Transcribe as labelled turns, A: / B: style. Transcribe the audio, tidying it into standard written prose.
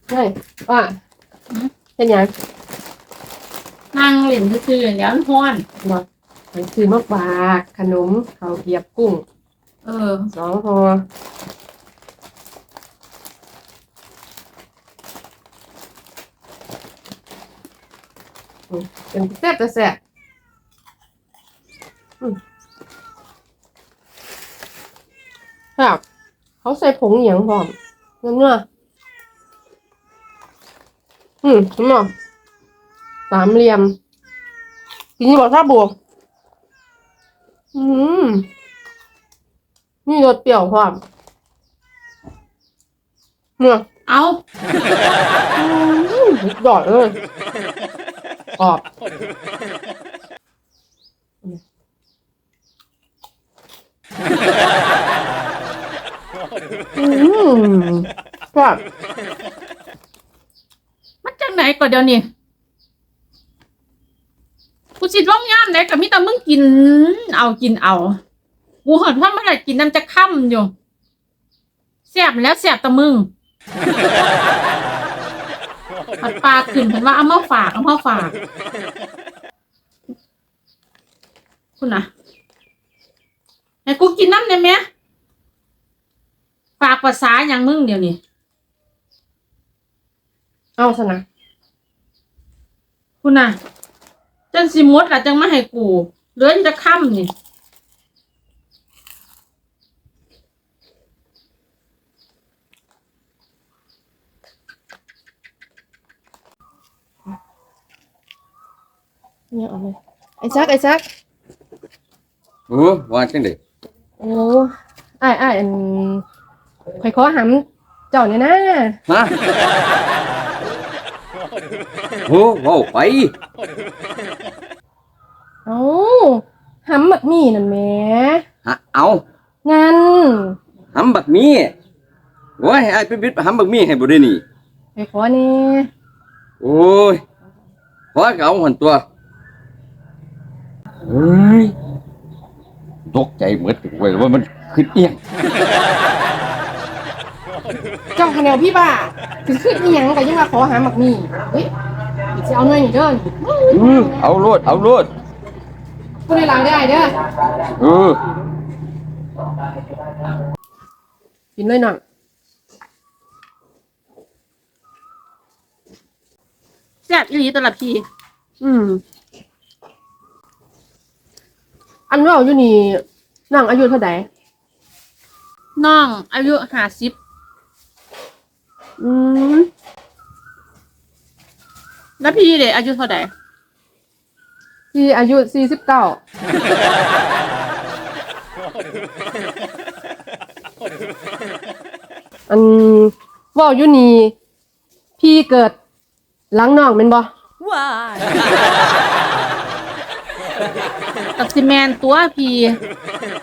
A: เฮ้ยว่าเป็นยัง
B: นั่งเล่นซื่อๆแล้วมันฮ้อน
A: บอกมันซื้อมาฝากขนมข้าวเกรียบกุ้ง2 ห่อเป็นแซ่บแต่แซ่บครับเขาใส่ผงเหยียงพร้อมเนื้อเห็นไหมสามเหลี่ยมกินนี่บอกถ้าบวกนี่รสเปรี้ยวพร้อมเนี่ย
B: เอา
A: ดอดเลยกรอบครับ
B: มันจังไหนก็เดี๋ยวนี้กูสิร้องย่ามไหนกับมิตามึงกินเอากูหอดว่าเมื่อไหร่กินน้ำจะค่ำอยู่แสบแล้วแสบตะมึงผัดปลาขึ้นเห็นว่าเอามาฝากคุณน่ะให้กูกินน้ำเนี่ยแม่ฝากภาษาอย่างมึงเดี๋ยวนี้
A: เอาซะนะ
B: คุณน่ะจังสิมดล่ะจังมาให้กูเหลือจะค่ำนี่
A: เนี่ยเอาเลยไอ้ซัก
C: ว่าจังได๋
A: โอ้อ้ายข่อยขอหำเจ้าเนี่ยนะ
C: ฮะเว้าไป
A: เอาหำบักมี่นั่นแหม
C: เอา
A: งั้น
C: หำบักมี่โอ้ยให้อ้ายไปบิดหำบักมี่ให้บ่ได้นี่
A: ข่อยขอแน่
C: โอ้ยขอก็เอาหั่นตัวเฮ้ยตกใจหมดเว้ยว่ามันขึ้นเอียง
A: เจ้าคะแนนพี่บ้าถึงขึ้นอีหยังก็ยังว่าขอหำบักมี่เฮ้ยสิเอาหน่อยนี่เด้อ
C: เอาโลด
A: พูดในหลังได้เด้อกินเลยหน่อย
B: แซ่บอีหลีตลับพี่
A: อันว่าอยู่นี่นั่งอายุเท่าไหร่
B: น้องอายุ50แล้วพี่เด็กอายุเท่าไหร่
A: พี่อายุ49ว่าอยู่นี่พี่เกิดหลังน้องแม่นบ่
B: ว้ายตักซิแมนตัวพี่